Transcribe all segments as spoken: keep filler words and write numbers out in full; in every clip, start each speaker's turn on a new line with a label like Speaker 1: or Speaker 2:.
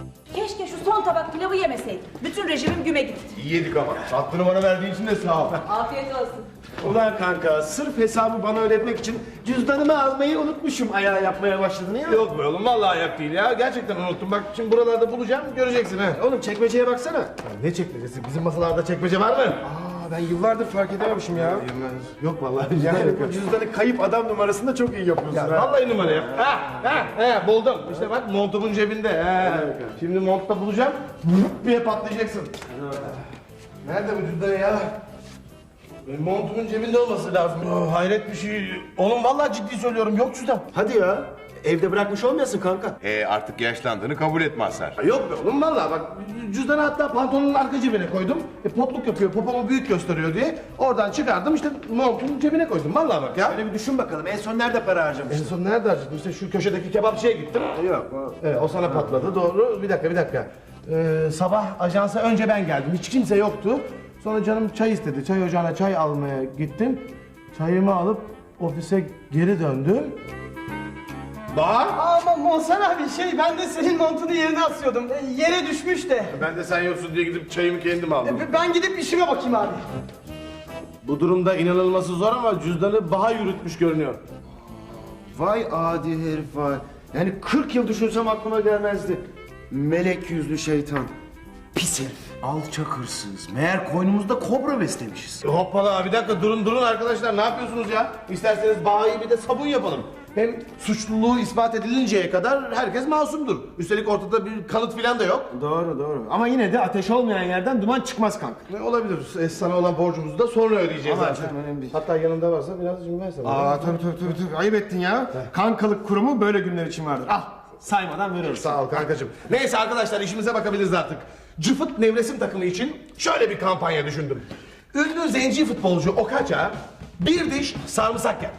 Speaker 1: Keşke şu son tabak pilavı yemeseydim. Bütün rejimim güme gitti.
Speaker 2: İyi yedik ama. Hakkını bana verdiğin için de sağ ol.
Speaker 1: Afiyet olsun.
Speaker 3: Ulan kanka, sırf hesabı bana öğretmek için cüzdanımı almayı unutmuşum. Ayağı yapmaya başladın ya.
Speaker 2: Yok be oğlum, vallahi ayak değil ya. Gerçekten unuttum. Bak şimdi buralarda bulacağım, göreceksin ha.
Speaker 3: Oğlum çekmeceye baksana.
Speaker 2: Ya ne çekmecesi? Bizim masalarda çekmece var mı?
Speaker 3: Aa, ben yıllardır fark edememişim ya. Yok vallahi. Yani bu cüzdanı kayıp adam numarasında çok iyi yapıyorsun.
Speaker 2: Ya
Speaker 3: ha.
Speaker 2: vallahi numara yap. Ha, ha, ha, buldum. İşte bak montumun cebinde. Ha. Şimdi montta bulacağım. Vup diye patlayacaksın. Nerede bu cüzdan ya? Benim montumun cebinde olması lazım. Oh, hayret bir şey. Oğlum vallahi ciddi söylüyorum, yok cüzdan.
Speaker 3: Hadi ya. Evde bırakmış olmayasın kanka.
Speaker 4: E artık yaşlandığını kabul et Mazhar.
Speaker 2: Ha, yok be oğlum vallahi bak, cüzdanı hatta pantolonun arka cebine koydum. E, potluk yapıyor, popomu büyük gösteriyor diye. Oradan çıkardım, işte montumun cebine koydum. Vallahi bak ya.
Speaker 3: Şöyle bir düşün bakalım. En son nerede para
Speaker 2: En
Speaker 3: harcamıştın?
Speaker 2: son nerede harcadım? İşte şu köşedeki kebapçıya gittim.
Speaker 3: Yok. O...
Speaker 2: Evet, o sana patladı, doğru. Bir dakika, bir dakika. Ee, sabah ajansa önce ben geldim, hiç kimse yoktu. Sonra canım çay istedi, çay ocağına çay almaya gittim. Çayımı alıp ofise geri döndüm. Bahar!
Speaker 5: Ama Monsan abi şey ben de senin montunu yerine asıyordum. E, yere düşmüş de.
Speaker 2: Ben de sen yoksun diye gidip çayımı kendim aldım.
Speaker 5: E, ben gidip işime bakayım abi.
Speaker 2: Bu durumda inanılması zor ama cüzdanı Bahar yürütmüş görünüyor.
Speaker 3: Vay adi herif vay. Yani kırk yıl düşünsem aklıma gelmezdi. Melek yüzlü şeytan. Pis herif. Alçak hırsız. Meğer koynumuzda kobra beslemişiz.
Speaker 2: Hoppala, bir dakika, durun durun arkadaşlar, ne yapıyorsunuz ya? İsterseniz Bahar'ı bir de sabun yapalım. Hem suçluluğu ispat edilinceye kadar herkes masumdur. Üstelik ortada bir kanıt filan da yok.
Speaker 3: Doğru doğru. Ama yine de ateş olmayan yerden duman çıkmaz kanka.
Speaker 2: Ne olabilir? E, sana olan borcumuzu da sonra ödeyeceğiz
Speaker 3: Aman
Speaker 2: zaten.
Speaker 3: canım, önemli değil.
Speaker 2: Hatta yanında varsa biraz cimri versene.
Speaker 3: Aa tabii tabii tabii. tabii. Ayıp ettin ya. Kankalık kurumu böyle günler için vardır. Al. Saymadan veriyoruz.
Speaker 2: Sağ ol kankacığım. Neyse arkadaşlar, işimize bakabiliriz artık. Cıfıt Nevresim takımı için şöyle bir kampanya düşündüm. Ünlü zenci futbolcu Okaça bir diş sarımsak yer.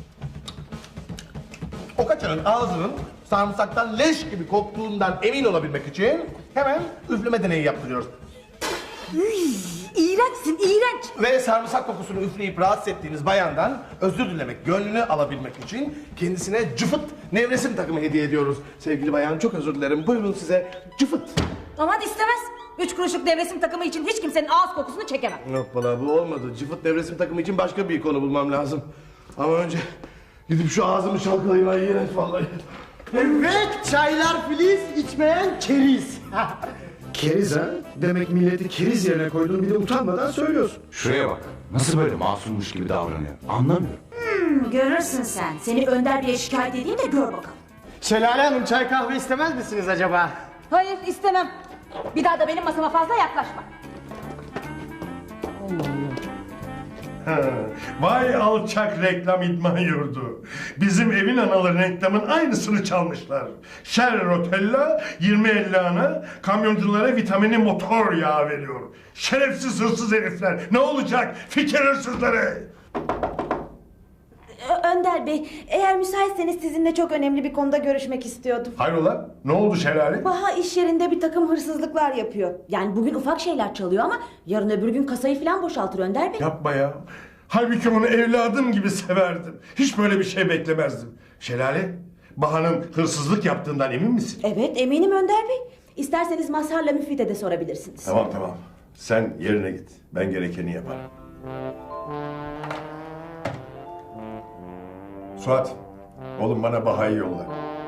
Speaker 2: Okaça'nın ağzının sarımsaktan leş gibi koktuğundan emin olabilmek için hemen üfleme deneyi yaptırıyoruz.
Speaker 1: İğrençsin, iğrenç.
Speaker 2: Ve sarımsak kokusunu üfleyip rahatsız ettiğiniz bayandan özür dilemek, gönlünü alabilmek için kendisine Cıfıt Nevresim takımı hediye ediyoruz. Sevgili bayan, çok özür dilerim. Buyurun size Cıfıt.
Speaker 1: Aman istemez. Üç kuruşluk devresim takımı için hiç kimsenin ağız kokusunu çekemem.
Speaker 2: Hoppala, bu olmadı. Cıfıt Nevresim takımı için başka bir konu bulmam lazım. Ama önce gidip şu ağzımı çalkalayayım. Ay iğrenç vallahi.
Speaker 5: Evet çaylar filiz içmeyen keriz.
Speaker 3: Keriz ha? Demek milleti keriz yerine koydun, bir de utanmadan söylüyorsun.
Speaker 4: Şuraya bak. Nasıl böyle masummuş gibi davranıyor? Anlamıyorum.
Speaker 1: Hmm, görürsün sen. Seni Önder Bey'e şikayet edeyim de gör bakalım.
Speaker 5: Şelale Hanım çay kahve istemez misiniz acaba?
Speaker 1: Hayır, istemem. Bir daha da benim masama fazla yaklaşma.
Speaker 6: Vay alçak reklam idman yurdu. Bizim evin anaları reklamın aynısını çalmışlar. Shell Rotella yirmi elli ana kamyonculara vitamini motor yağı veriyor. Şerefsiz hırsız herifler. Ne olacak? Fikir hırsızları.
Speaker 7: Ö- Önder Bey, eğer müsaitseniz sizinle çok önemli bir konuda görüşmek istiyordum.
Speaker 6: Hayrola? Ne oldu Şelale?
Speaker 7: Baha iş yerinde bir takım hırsızlıklar yapıyor.
Speaker 1: Yani bugün ufak şeyler çalıyor ama yarın öbür gün kasayı falan boşaltır Önder Bey.
Speaker 6: Yapma ya. Halbuki onu evladım gibi severdim. Hiç böyle bir şey beklemezdim. Şelale, Baha'nın hırsızlık yaptığından emin misin?
Speaker 7: Evet, eminim Önder Bey. İsterseniz Mazhar'la Müfit'e de sorabilirsiniz.
Speaker 6: Tamam tamam. Sen yerine git. Ben gerekeni yaparım. Suat, oğlum bana Baha'yı yolla.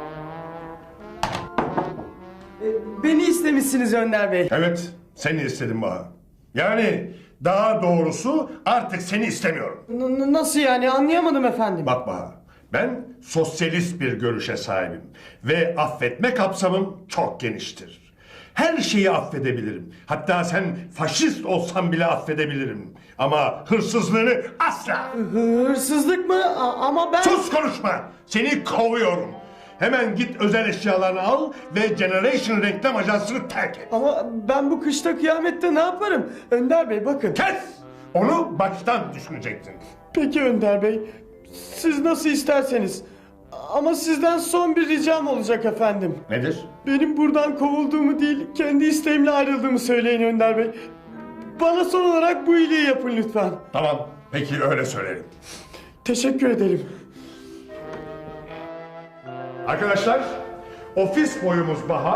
Speaker 5: E, beni istemişsiniz Önder Bey.
Speaker 6: Evet, seni istedim Baha. Yani daha doğrusu artık seni istemiyorum.
Speaker 5: N- n- nasıl yani anlayamadım efendim.
Speaker 6: Bak Baha, ben sosyalist bir görüşe sahibim. Ve affetme kapsamım çok geniştir. Her şeyi affedebilirim. Hatta sen faşist olsan bile affedebilirim. Ama hırsızlığını asla.
Speaker 5: Hırsızlık mı? A- ama ben...
Speaker 6: Sus konuşma! Seni kovuyorum. Hemen git özel eşyalarını al ve Generation Reklam Ajansı'nı terk et.
Speaker 5: Ama ben bu kışta kıyamette ne yaparım? Önder Bey bakın.
Speaker 6: Kes! Onu baştan düşüneceksin.
Speaker 5: Peki Önder Bey. Siz nasıl isterseniz. Ama sizden son bir ricam olacak efendim.
Speaker 6: Nedir?
Speaker 5: Benim buradan kovulduğumu değil, kendi isteğimle ayrıldığımı söyleyin Önder Bey. Bana son olarak bu iyiliği yapın lütfen.
Speaker 6: Tamam, peki öyle söylerim.
Speaker 5: Teşekkür ederim.
Speaker 6: Arkadaşlar, ofis boyumuz Baha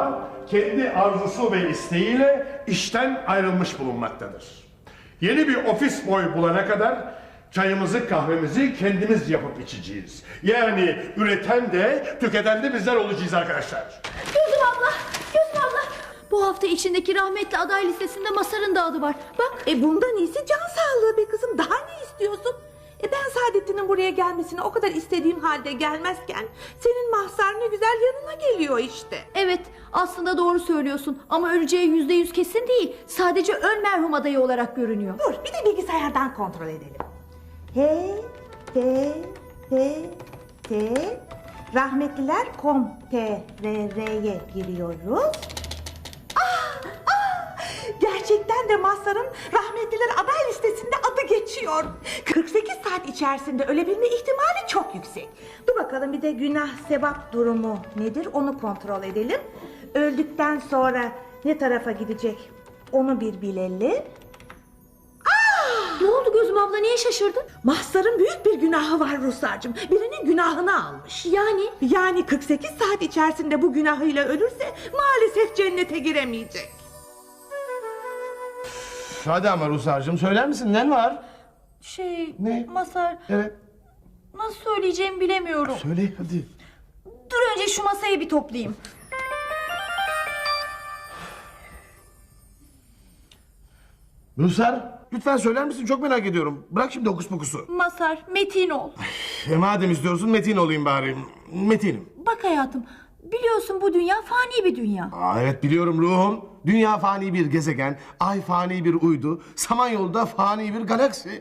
Speaker 6: kendi arzusu ve isteğiyle işten ayrılmış bulunmaktadır. Yeni bir ofis boy bulana kadar çayımızı kahvemizi kendimiz yapıp içeceğiz. Yani üreten de tüketen de bizler olacağız arkadaşlar.
Speaker 8: Gözüm abla, Gözüm abla. Bu hafta içindeki rahmetli aday listesinde Masar'ın da adı var. Bak.
Speaker 9: E bundan iyisi can sağlığı be kızım. Daha ne istiyorsun? E ben Saadettin'in buraya gelmesini o kadar istediğim halde gelmezken senin Mahsar ne güzel yanına geliyor işte.
Speaker 8: Evet, aslında doğru söylüyorsun ama öleceği yüzde yüz kesin değil. Sadece ön merhum adayı olarak görünüyor.
Speaker 9: Dur bir de bilgisayardan kontrol edelim. H, T, T, T, rahmetliler nokta com T R R'ye giriyoruz. Ah, ah, gerçekten de Mazhar'ın rahmetliler aday listesinde adı geçiyor. kırk sekiz saat içerisinde ölebilme ihtimali çok yüksek. Dur bakalım bir de günah sevap durumu nedir onu kontrol edelim. Öldükten sonra ne tarafa gidecek onu bir bilelim.
Speaker 8: Ne oldu Gözüm abla, niye şaşırdın?
Speaker 9: Mahsar'ın büyük bir günahı var Ruhsar'cığım. Birinin günahını almış.
Speaker 8: Yani?
Speaker 9: Yani kırk sekiz saat içerisinde bu günahıyla ölürse maalesef cennete giremeyecek.
Speaker 2: Hadi ama Rusar'cığım söyler misin ne var?
Speaker 8: Şey,
Speaker 2: Ne?
Speaker 8: Masar,
Speaker 2: Evet.
Speaker 8: nasıl söyleyeceğimi bilemiyorum.
Speaker 2: Söyle hadi.
Speaker 8: Dur önce şu masayı bir toplayayım.
Speaker 2: Rusar lütfen söyler misin çok merak ediyorum. Bırak şimdi hokus pokusu.
Speaker 8: Masar, metin ol.
Speaker 2: E madem istiyorsun Metin olayım bari. Metin'im.
Speaker 8: Bak hayatım, biliyorsun bu dünya fani bir dünya.
Speaker 2: Aa, evet biliyorum ruhum. Dünya fani bir gezegen, ay fani bir uydu, Samanyolu'da fani bir galaksi.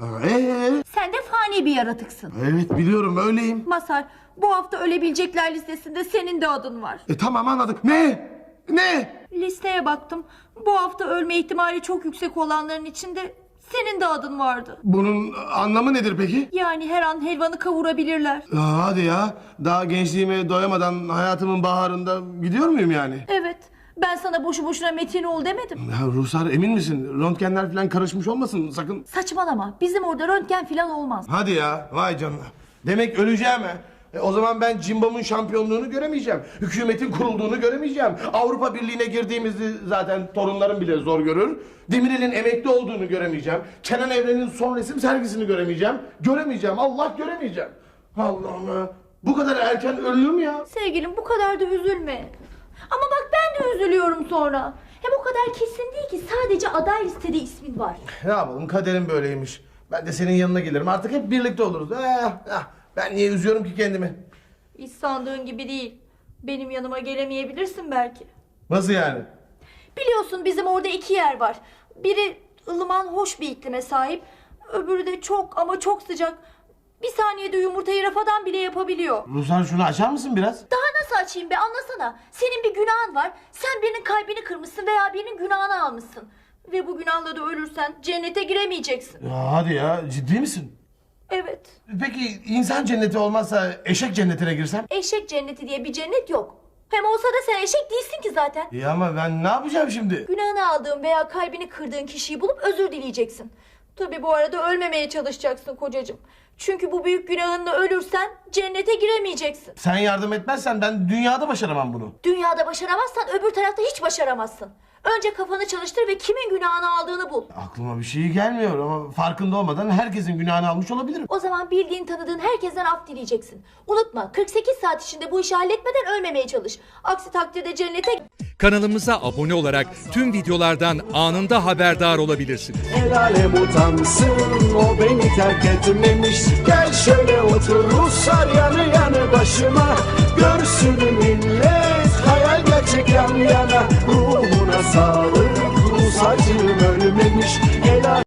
Speaker 2: Ee,
Speaker 8: Sen de fani bir yaratıksın.
Speaker 2: evet biliyorum öyleyim.
Speaker 8: Masar, bu hafta ölebilecekler listesinde senin de adın var.
Speaker 2: E tamam anladık. Ne? Ne?
Speaker 8: Listeye baktım. Bu hafta ölme ihtimali çok yüksek olanların içinde senin de adın vardı.
Speaker 2: Bunun anlamı nedir peki?
Speaker 8: Yani her an helvanı kavurabilirler.
Speaker 2: Aa, hadi ya. Daha gençliğime doyamadan hayatımın baharında gidiyor muyum yani?
Speaker 8: Evet. Ben sana boşu boşuna metin ol demedim.
Speaker 2: Ya Ruhsar emin misin? Röntgenler falan karışmış olmasın sakın.
Speaker 8: Saçmalama. Bizim orada röntgen falan olmaz.
Speaker 2: Hadi ya. Vay canına. Demek öleceğim ha. E, o zaman ben Cimbom'un şampiyonluğunu göremeyeceğim. Hükümetin kurulduğunu göremeyeceğim. Avrupa Birliği'ne girdiğimizi zaten torunlarım bile zor görür. Demirel'in emekli olduğunu göremeyeceğim. Kenan Evren'in son resim sergisini göremeyeceğim. Göremeyeceğim. Allah göremeyeceğim. Allah'ım ya. Bu kadar erken ölürüm ya.
Speaker 8: Sevgilim bu kadar da üzülme. Ama bak ben de üzülüyorum sonra. Hem o kadar kesin değil ki, sadece aday listede ismin var.
Speaker 2: Ne yapalım kaderim böyleymiş. Ben de senin yanına gelirim. Artık hep birlikte oluruz. Eh, eh. Ben niye üzüyorum ki kendimi?
Speaker 8: Hiç sandığın gibi değil. Benim yanıma gelemeyebilirsin belki.
Speaker 2: Nasıl yani?
Speaker 8: Biliyorsun bizim orada iki yer var. Biri ılıman hoş bir iklime sahip. Öbürü de çok ama çok sıcak. Bir saniyede yumurtayı rafadan bile yapabiliyor.
Speaker 2: Ruslan şunu açar mısın biraz?
Speaker 8: Daha nasıl açayım be, anlasana. Senin bir günahın var. Sen birinin kalbini kırmışsın veya birinin günahını almışsın. Ve bu günahla da ölürsen cennete giremeyeceksin.
Speaker 2: Ya hadi ya ciddi misin?
Speaker 8: Evet.
Speaker 2: Peki insan cenneti olmazsa eşek cennetine girsem?
Speaker 8: Eşek cenneti diye bir cennet yok. Hem olsa da sen eşek değilsin ki zaten.
Speaker 2: İyi ama ben ne yapacağım şimdi?
Speaker 8: Günahını aldığın veya kalbini kırdığın kişiyi bulup özür dileyeceksin. Tabii bu arada ölmemeye çalışacaksın kocacığım. Çünkü bu büyük günahınla ölürsen cennete giremeyeceksin.
Speaker 2: Sen yardım etmezsen ben dünyada başaramam bunu.
Speaker 8: Dünyada başaramazsan öbür tarafta hiç başaramazsın. Önce kafanı çalıştır ve kimin günahını aldığını bul.
Speaker 2: Aklıma bir şey gelmiyor ama farkında olmadan herkesin günahını almış olabilirim.
Speaker 8: O zaman bildiğin tanıdığın herkesten af dileyeceksin. Unutma, kırk sekiz saat içinde bu işi halletmeden ölmemeye çalış. Aksi takdirde cennete...
Speaker 10: Kanalımıza abone olarak tüm videolardan anında haberdar olabilirsiniz.
Speaker 11: El alem utansın, o beni terk etmemiş. Gel şöyle otur Ruslar yanı yanı başıma. Görsün millet hayal gerçek yan yana. Ruhuna sağlık, Rus acım ölmemiş.